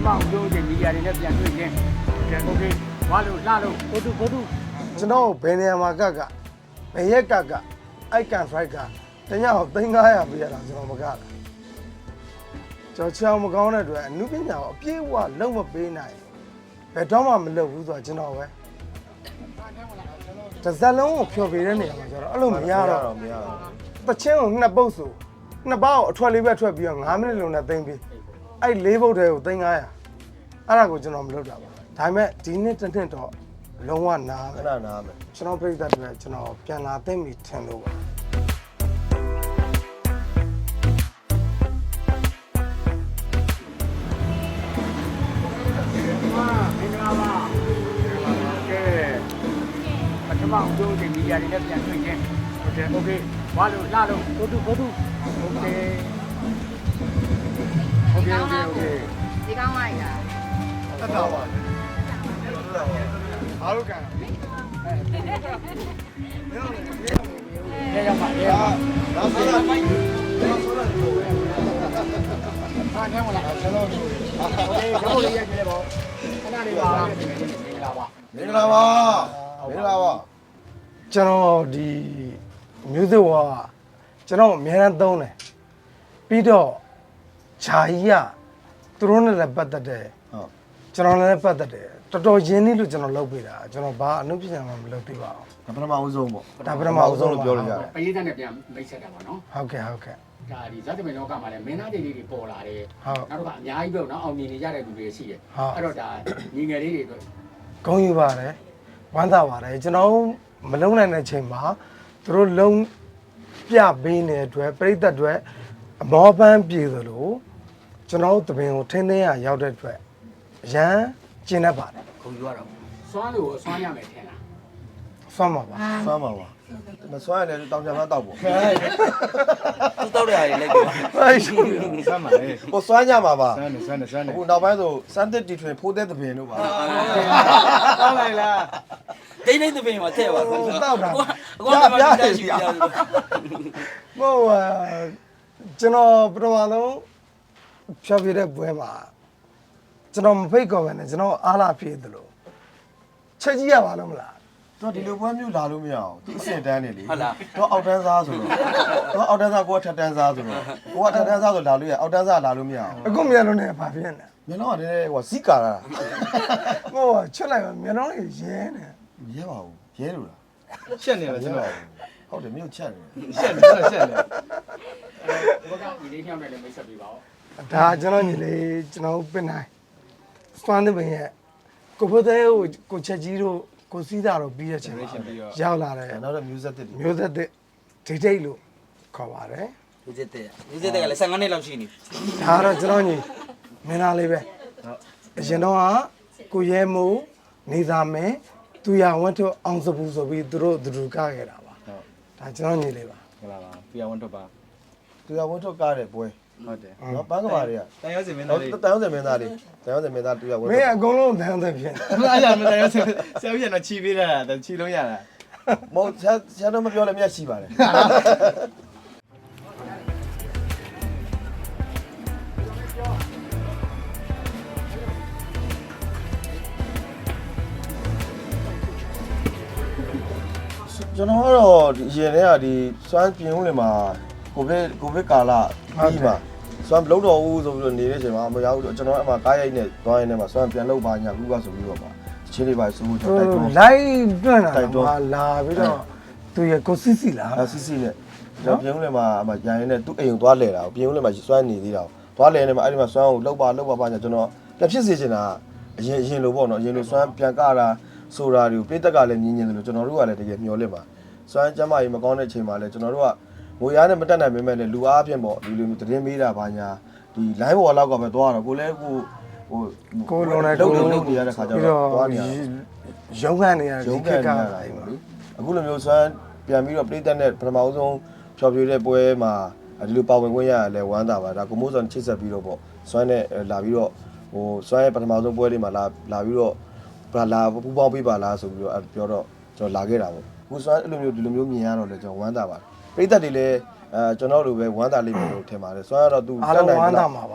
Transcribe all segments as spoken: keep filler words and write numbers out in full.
မအောင်ပြောတဲ့မီဒီယာတွေနဲ့ပြန်တွေ့ချင်းโอเคဝါလို့လှလို့ဘုသူဘုသူကျွန်တော်ဘယ်နေရာမှာကကဘယ်ရက်ကကအိုက်ကန်ဖရိုက်ကတညအောင်သိန်းnine hundredပေးရတာကျွန်တော်မကလားကျွန်တော်ချောင်းမကောင်းတဲ့အတွက်အနုပညာကိုအပြည့်အဝလုံးမပေးနိုင်ဘယ်တော့မှမလုပ်ဘူးဆိုတော့ကျွန်တော်ပဲတစ်စက်လုံးကိုဖြော်ပြတဲ့နေရာမှာကျတော့အဲ့လိုမရတော့မရတော့တချင်းကိုနှစ်ပုတ်ဆိုနှစ်ပေါက်အထွက်လေးပဲထွက်ပြီးတော့nineမိနစ်လုံးနဲ့သိမ့်ပြီးအဲ့လေးပုတ်တည်းကိုသိန်းnine hundredအဲ့ဒါကိုကျွန်တော်မလုပ်တာပါဒါပေမဲ့ဒီနေ့တစ်နှစ်တော့လုံးဝနားခဏနားမယ်ကျွန်တော်ပြိတ္တတွေကျွန်တော်ပြန်လာသိမ့်ပြီထင်လို့ပါမအောင်ပြောတဲ့မီဒီယာတွေနဲ့ပြန်တွေ့ချင်းโอเคโอเคဝါလို့လှလို့ဘုသူဘုသူโอเคโอเคโอเคโอเคဒီကောင်းလိုက်တာတက်တော့ပါအားလုံးကန်ရေရောက်ပါရေရောက်ပါဒါဆိုတော့မိုင်းဒါဆိုတော့အားထဲမလားကျွန်တော်တို့โอเคရောက်လို့ရကြပါခဏလေးပါမင်္ဂလာပါမင်္ဂလာပါမင်္ဂလာပါကျွန်တော်ဒီမျိုးစုံကကျွန်တော်အများအားသုံးတယ်ပြီးတော့ဂျာကြီးကသူတို့နဲ့လည်းပတ်သက်တယ်ဟုတ်ကျွန်တော်လည်းပတ်သက်တယ်တော်တော်ရင်းနှီးလို့ကျွန်တော်လုပ်ပေးတာကျွန်တော်ဘာအနုပညာမှမလုပ်သေးပါဘူးဒါပထမဦးဆုံးပေါ့ဒါပထမဦးဆုံးလို့ပြောလို့ရတယ်ပရိသတ်နဲ့ပြန်မိတ်ဆက်တာပါနော်ဟုတ်ကဲ့ဟုတ်ကဲ့ဒါဒီဇာတ်တမင်လောကမှာလည်းမင်းသားတွေလေးတွေပေါ်လာတယ်နောက်တော့အများကြီးပဲနော်အောင်မြင်နေကြတဲ့လူတွေရှိတယ်အဲ့တော့ဒါညီငယ်လေးတွေအတွက်ဂုဏ်ယူပါတယ်ဝမ်းသာပါတယ်ကျွန်တော်မလုံးနိုင်တဲ့ချိန်မှာသူတို့လုံးပြပေးနေတဲ့အတွက်ပြိသက်တွေအမောပန်းပြေသလိုကျွန်တော်တပင်ကိုထင်းထင်းရရောက်တဲ့အတွက်ရန်ကျင်တတ်ပါတယ်ခုံယူရတော့စွမ်းလို့စွမ်းရမယ်ထင်လားစွမ်းပါပါစွမ်းပါပါမစွမ်းရလည်းတောင်ချမ်းမတောက်ပေါ့သူတောက်တဲ့ဟာတွေလိုက်ပြောအဲ့ရှိစွမ်းပါလေကိုစွမ်းကြမှာပါစွမ်းနေစွမ်းနေစွမ်းနေအခုနောက်ပိုင်းဆိုစမ်းတစ်တီထွင်ဖိုးတဲ့တပင်တို့ပါတောက်လိုက်လားဒိနေတပင်မှာထည့်ပါတောက်တာအကောပြားတယ်ရှိပြားဟိုကျွန်တော်ပထမဆုံးဖြောပြတဲ့ပွဲမှာကျွန်တော်မဖိတ်ခေါ်ပဲနဲ့ကျွန်တော်အားလာပြေးသလိုချက်ကြီးရပါလို့မလားတော့ဒီလိုပွဲမျိုးလာလို့မရအောင်သူအစင်တန်းနေလေဟုတ်လားတော့အောက်တန်းစားဆိုတော့တော့အောက်တန်းစားကိုကထက်တန်းစားဆိုတော့ကိုကထက်တန်းစားဆိုလာလို့ရအောက်တန်းစားလာလို့မရအောင်အခုမျက်လုံးနဲ့ဘာဖြစ်နေမျက်လုံးကတည်းကဟိုစီကာတာဟိုချက်လိုက်မျက်လုံးလေးရဲနေရဲပါဘူးရဲလို့လားရှက်နေလားကျွန်တော်ဟုတ်တယ်မြို့ချက်နေရှက်နေရှက်နေဘကဒီလေးညောင်းနဲ့လည်းမိတ်ဆက်ပေးပါဦးဒါကျွန်တော်ညီလေးကျွန်တော်ပင်နိုင်စပန်တဲ့ဘင်ရဲ့ကိုဖိုးတဲ့ကိုကိုချက်ကြီးတို့ကိုစီးတာတော့ပြီးရချင်ရောက်လာတယ်နောက်တော့ music တစ် music တစ်ဒိတ်ဒိတ်လို့ခေါ်ပါတယ် music တစ် music တစ်ကလည်းfifteenနှစ်လောက်ရှိနေဒါတော့ကျွန်တော်ညီမင်းသားလေးပဲဟုတ်အရင်တော့ကကိုရဲမိုးနေသာမင်းသူရဝတ်ထုတ်အောင်စပူဆိုပြီးသူတို့သူတို့ကားခဲ့တာပါဟုတ်ဒါကျွန်တော်ညီလေးပါဟုတ်လားပါသူရဝတ်ထုတ်ပါသူရဝတ်ထုတ်ကားတယ်ပွဲဟုတ်တယ်နော်ပန်းကမာတွေကတန်ရုံးစင်မင်းသားလေးတန်ရုံးစင်မင်းသားလေးတန်ရုံးစင်မင်းသားသူရဝတ်ထုတ်မင်းအကုန်လုံးတန်ရုံးစင်ဖြစ်နေအဲ့ဒါမတန်ရုံးစင်ဆရာကြီးကတော့ချီပေးတာတချီလုံးရတာမဟုတ်ဆရာဆရာတော့မပြောလည်းမျက်ရှိပါတယ်ကျွန်တော်ကတော့ဒီအရင်တည်းကဒီစွမ်းပြင်းဦးလေမှာကိုဗစ်ကိုဗစ်ကာလပြီးပါစွမ်းမလုပ်တော့ဘူးဆိုပြီးတော့နေတဲ့အချိန်မှာမရဘူးကျွန်တော်အမှကားရိုက်နဲ့သွားရင်းနဲ့မှာစွမ်းပြန်လုပ်ပါညာဘူးပါဆိုပြီးတော့ပါချင်းလေးပါဆိုလို့ကျွန်တော်တိုက်တွန်းလိုက်တွန်းတာပါလာပြီးတော့သူရကိုစစ်စီလားစစ်စီနဲ့ကျွန်တော်ပြင်းဦးလေမှာအမှရန်ရင်းနဲ့သူ့အိမ်ကိုသွားလဲတာပြင်းဦးလေမှာစွမ်းနေသေးတာသွားလဲနေမှာအဲ့ဒီမှာစွမ်းကိုလှုပ်ပါလှုပ်ပါပါညာကျွန်တော်လက်ဖြစ်စေချင်တာအရင်အရင်လိုပေါ့နော်အရင်လိုစွမ်းပြန်ကတာဆိုတာတွေကိုပြည့်တက်ကလည်းမြင်မြင်တယ်လို့ကျွန်တော်တို့ကလည်းတကယ်မျှော်လင့်ပါစွမ်းကျမ်းမာရေးမကောင်းတဲ့အချိန်မှာလည်းကျွန်တော်တို့ကငိုရားနဲ့မတက်နိုင်ပေမဲ့လည်းလူအားဖြင့်ပေါ့ဒီလိုမျိုးသတင်းမေးတာဘာညာဒီ live ပေါ်လောက်ကပဲသွားတော့ကိုလည်းကိုဟိုကိုလုံးလိုက်ကိုလုံးနေရတဲ့ခါကျတော့သွားနေရရုံးခန့်နေရရုံးခန့်နေရတာပေါ့လေအခုလိုမျိုးစွမ်းပြန်ပြီးတော့ပြည်သက်နဲ့ပထမဦးဆုံးဖြော်ပြတဲ့ပွဲမှာဒီလိုပါဝင်ခွင့်ရရလဲဝမ်းသာပါဒါကိုမိုးစောချိတ်ဆက်ပြီးတော့ပေါ့စွမ်းနဲ့လာပြီးတော့ဟိုစွမ်းရဲ့ပထမဆုံးပွဲလေးမှာလာလာပြီးတော့ဘာလာပူပေါင်းပေးပါလားဆိုပြီးတော့ပြောတော့ကျွန်တော်လာခဲ့တာပေါ့ခုစွမ်းအဲ့လိုမျိုးဒီလိုမျိုးမြင်ရတော့လေကျွန်တော်ဝမ်းသာပါတယ်ပြည်သက်တွေလည်းအဲကျွန်တော်တို့ပဲဝမ်းသာလိမ့်မယ်လို့ထင်ပါတယ်စွမ်းရတော့သူတက်နိုင်ဝမ်းသာမှာပါ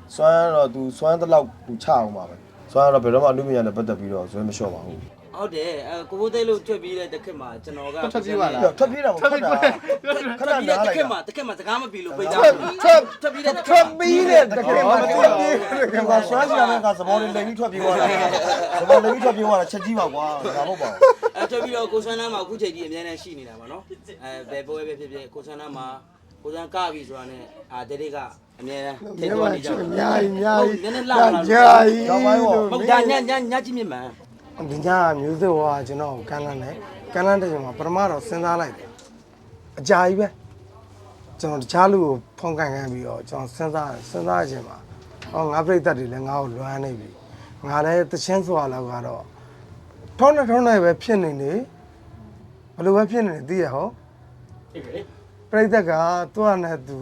စွမ်းတော့ तू စွမ်းတဲ့လောက် तू ချအောင်ပါပဲစွမ်းတော့ဘယ်တော့မှအမှုပညာနဲ့ပတ်သက်ပြီးတော့ဇွဲမလျှော့ပါဘူးဟုတ်တယ်အဲကိုဘိုးသေးလို့ထွက်ပြီးတဲ့တစ်ခက်မှာကျွန်တော်ကထွက်ပြေးပါလားထွက်ပြေးတာမဟုတ်တာခဏနားလိုက်တစ်ခက်မှာတစ်ခက်မှာစကားမပြီးလို့ပိတ်တာထွက်ထွက်ထွက်ပြီးတဲ့တစ်ခထွက်က်ပြီးတဲ့တကယ်မှထွက်ပြေးတယ်ကွာစွမ်းစရာနဲ့ကသဘောလေးလိမ်ပြီးထွက်ပြေးသွားတာသဘောလိမ်ပြီးထွက်ပြေးသွားတာချက်ကြီးပါကွာဒါမဟုတ်ပါဘူးအဲထွက်ပြီးတော့ကိုဆွမ်းနားမှာအခုချိန်ကြီးအများနဲ့ရှိနေတာပါနော်အဲဘယ်ပွဲပဲဖြစ်ဖြစ်ကိုဆွမ်းနားမှာကိုဆွမ်းကပြီဆိုတာနဲ့အာတဲတွေကအများနဲ့ထိတ်တော်နေကြတယ်အများကြီးအများကြီးနည်းနည်းလာလာကြာကြီးတော့ပိုင်းပေါ့မဟုတ်ဒါညညညကြည့်မြင်မှန်ဒီညမျိုးစေ့ဟောကျွန်တော်ကန်းလန်းတယ်ကန်းလန်းတဲ့ချိန်မှာပထမတော့စဉ်းစားလိုက်တယ်အကြာကြီးပဲကျွန်တော်တခြားလူကိုဖုန်းကန်ကန်ပြီးတော့ကျွန်တော်စဉ်းစားစဉ်းစားခြင်းမှာဟောငါပြိတ္တတွေလည်းငါ့ကိုလွမ်းနေပြီငါလည်းတချင်းစွာလောက်ကတော့ထုံးနဲ့ထုံးနဲ့ပဲဖြစ်နေနေဘယ်လိုပဲဖြစ်နေနေသိရဟောဒီကလေးပြိတ္တကသူ့အနဲ့သူ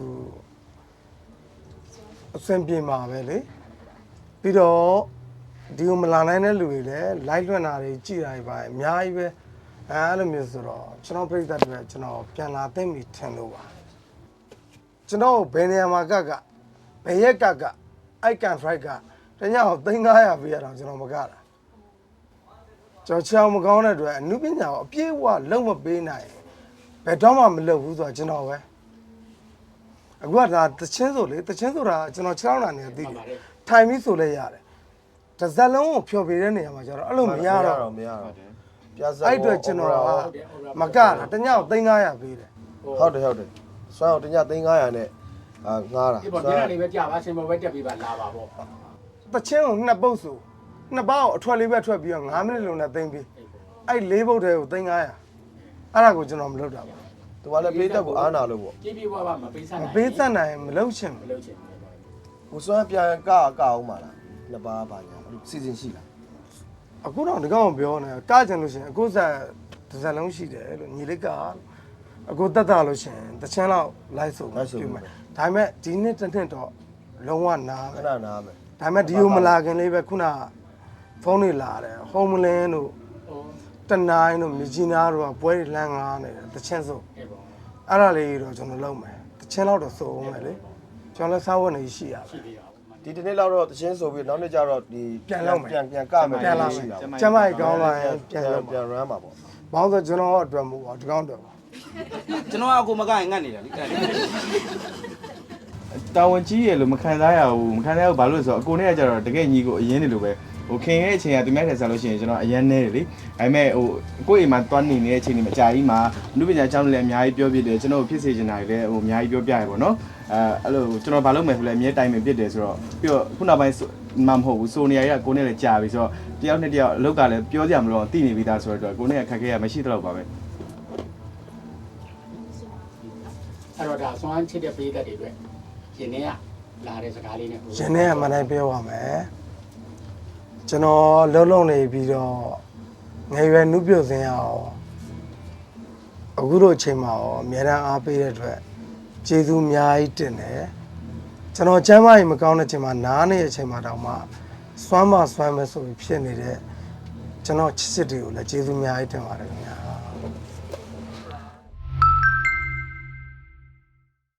အဆင်ပြေမှာပဲလေပြီးတော့ဒီကိုမလာနိုင်တဲ့လူတွေလည်း live လွှင့်တာတွေကြည်တာတွေပါအများကြီးပဲအဲအဲ့လိုမျိုးဆိုတော့ကျွန်တော်ပြိတ္တတွေကျွန်တော်ပြန်လာသိမ့်ပြီထင်လို့ပါကျွန်တော်ဘယ်နေရာမှာကကဘယ်ရက်ကကအိုက်ကန်ဖရိုက်ကတညအောင်သိန်း၅ရာပေးရတော့ကျွန်တော်မကတာကျွန်တော်ချောင်းမကောင်းတဲ့အတွက်အနုပညာကိုအပြည့်အဝလုံးမပေးနိုင်ဘယ်တော့မှမလုပ်ဘူးဆိုတော့ကျွန်တော်ပဲအခုကဒါတချင်းဆိုလေတချင်းဆိုတာကျွန်တော်ခြေထောက်လာနေသိတယ်ထိုင်ပြီးဆိုလဲရတယ်တစ်စက်လုံးကိုဖြော်ပြတဲ့နေရာမှာကျတော့အဲ့လိုမရတော့မရတော့ပြဇာအဲ့အတွက်ကျွန်တော်ကမကတာတညအောင်သိန်း၅ရာပေးတယ်ဟုတ်တယ်ဟုတ်တယ်စွမ်းအောင်တညသိန်း၅ရာနဲ့အာငားတာဒီပေါ်ဒီနေ့လေးပဲကြာပါရှင်ပေါ်ပဲတက်ပြီးပါလာပါပေါ့တချင်းကိုနှစ်ပုတ်ဆိုနှစ်ပေါက်အထွက်လေးပဲထွက်ပြီးတော့၅မိနစ်လုံးနဲ့သိမ့်ပြီးအဲ့လေးပုတ်တည်းကိုသိန်း၅ရာအဲ့ဒါကိုကျွန်တော်မလုပ်တာပါသူကလည်းပေးတက်ကိုအားနာလို့ပေါ့ပြေးပြေးွားပါမပေးစားမနိုင်ပေးသက်နိုင်မလုပ်ချင်မဘူးလုပ်ချင်ကိုစွမ်းပြန်ကကအောင်ပါလားနှစ်ပါးပါညာစီစဉ်ရှိလားအခုတော့ဒီကောင်ပြောနေကကြင်လို့ရှိရင်အခုဆက်တစ်စက်လုံးရှိတယ်လို့ညီလေးကအခုတက်တာလို့ရှိရင်တချင်းလောက်လိုက်ဆိုမယ်ဒါပေမဲ့ဒီနှစ်တစ်နှစ်တော့လုံးဝနားခပဲဏနားမယ်ဒါပေမဲ့ဒီကိုမလာခင်လေးပဲခုနဖုန်းတွေလာတယ်ဟ ோம் လင်းတို့ဟိုတနိုင်တို့မြကြီးနားတို့ကပွဲတွေလမ်းငားနေတယ်တချင်းဆိုအေးပေါ့အဲ့ဒါလေးတော့ကျွန်တော်လုပ်မယ်တချင်းလောက်တော့စိုးအောင်မယ်လေကျွန်တော်လည်းစားဝတ်နေရှိရပါရှိသေးတာပေါ့ဒီတနေ့လောက်တော့တချင်းဆိုပြီးနောက်နေ့ကျတော့ဒီပြန်ပြန်ကမယ်ပြန်လာမယ်ကျမကြီးကောင်းလာရင်ပြန်လုပ်ပြန် run ပါပေါ့ဘောင်းဆိုကျွန်တော်အတွက်မဟုတ်ပါဒီကောင်အတွက်ပါကျွန်တော်အကိုမကရင်ငတ်နေတာလေအဲ့တာဝန်ကြီးရလို့မခံစားရဘူးမခံစားရဘူးဘာလို့လဲဆိုတော့အကိုနဲ့ကကြတော့တကယ်ညီကိုအရင်နေလို့ပဲဟိုခင်ရဲ့အချိန်ကသူများထက်စားလို့ရှိရင်ကျွန်တော်အရင်နေတယ်လေဒါပေမဲ့ဟိုကိုယ့်အိမ်မှာတွန်းနေနေတဲ့အချိန်တွေမှာအကြာကြီးမှာအမှုပညာကျောင်းတွေလည်းအများကြီးပြောပြတယ်ကျွန်တော်ဖြစ်စေချင်တာတွေလည်းဟိုအများကြီးပြောပြရပါတော့အဲအဲ့လိုကျွန်တော်ဘာလုပ်မယ်ဆိုလဲအမြဲတိုင်ပင်ဖြစ်တယ်ဆိုတော့ပြီးတော့ခုနောက်ပိုင်းမှမဟုတ်ဘူးဆိုနေရရကိုနဲ့လည်းကြာပြီဆိုတော့တယောက်နဲ့တယောက်အလုပ်ကလည်းပြောကြမလို့သိနေပြီးသားဆိုတော့ကိုနဲ့ခက်ခဲရမရှိတော့ပါပဲအဲ့တော့ဒါစွမ်းချစ်တဲ့ပေးသက်တွေအတွက်ရှင်နေကလာတဲ့စကားလေးနဲ့ရှင်နဲ့အမှန်တိုင်းပြောပါမယ်ကျွန်တော်လုံးလုံးနေပြီးတော့ငယ်ရွယ်နှုတ်ပြုတ်စင်းရအောင်အခုတို့အချိန်မှာရောအများအားပေးတဲ့အတွက်ကျေးဇူးအများကြီးတင်တယ်ကျွန်တော်ကျမ်းမာရေးမကောင်းတဲ့အချိန်မှာနားနေတဲ့အချိန်မှာတောင်မှစွမ်းမစွမ်းမဆိုပြီးဖြစ်နေတဲ့ကျွန်တော်ချစ်စစ်တွေကိုလည်းကျေးဇူးအများကြီးတင်ပါတယ်ခင်ဗျာ